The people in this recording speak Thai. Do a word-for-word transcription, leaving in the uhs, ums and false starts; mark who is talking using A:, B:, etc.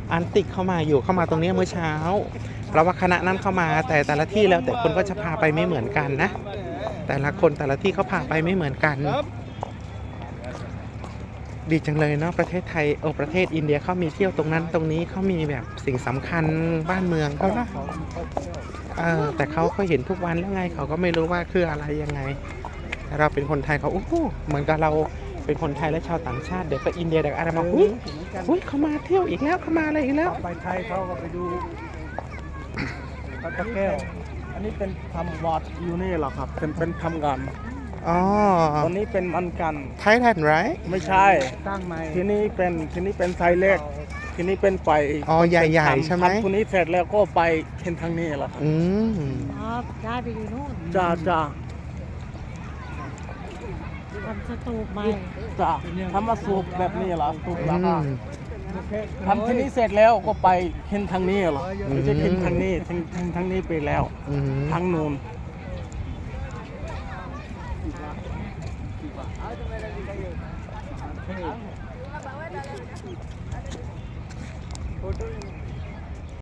A: อันติกเข้ามาอยู่เข้ามาตรงนี้เมื่อเช้าเพราะว่าคณะนั้นเข้ามาแต่แต่ละที่แล้วแต่คนก็จะพาไปไม่เหมือนกันนะแต่ละคนแต่ละที่เขาพาไปไม่เหมือนกันดีจังเลยเนาะประเทศไทยโอ้ประเทศอินเดียเขามีเที่ยวตรงนั้นตรงนี้เขามีแบบสิ่งสำคัญบ้านเมืองเขานะเออแต่เขาก็เห็นทุกวันแล้วไงเขาก็ไม่รู้ว่าคืออะไรยังไงเราเป็นคนไทยเขาโอ้โหเหมือนกับเราเป็นคนไทยและชาวต่างชาติเดี๋ยวก็อินเดียเดี๋ยวอะไรมาอุ้ยอุ้ยเขามาเที่ยวอีกแล้วเขามาอะไรอีกแล้ว
B: ไปไทยเขาก็ไปดูพระแก้วอันนี้เป็นทำวัดอยู่นี่เหรอครับเป็นเป็นทำกัน
A: อ๋อ
B: ตอนนี้เป็นมันกัน
A: ไทยแลนด์ไร
B: ไม่ใช่ตั้งใหม่ที่นี่เป็นที่นี่เป็นไซเล็กที่นี่เป็นไป
A: อ๋อใหญ่ๆใช่ไหม
B: ทำคนนี้เสร็จแล้วก็ไปเห็นทางนี้เหรอครับ
A: อืม
C: อ๋อได้ไปอยู่นู่น
B: จ้าจ้า
C: ทำสตูปใหม่
B: จ้าทำมาสูบแบบนี้เหรอสูบแล้วก็ทำที่นี้เสร็จแล้วก็ไปเห็นทางนี้เหรอไม่ใช่เห็นทางนี้ทางทางทางนี้ไปแล้วทางนู้น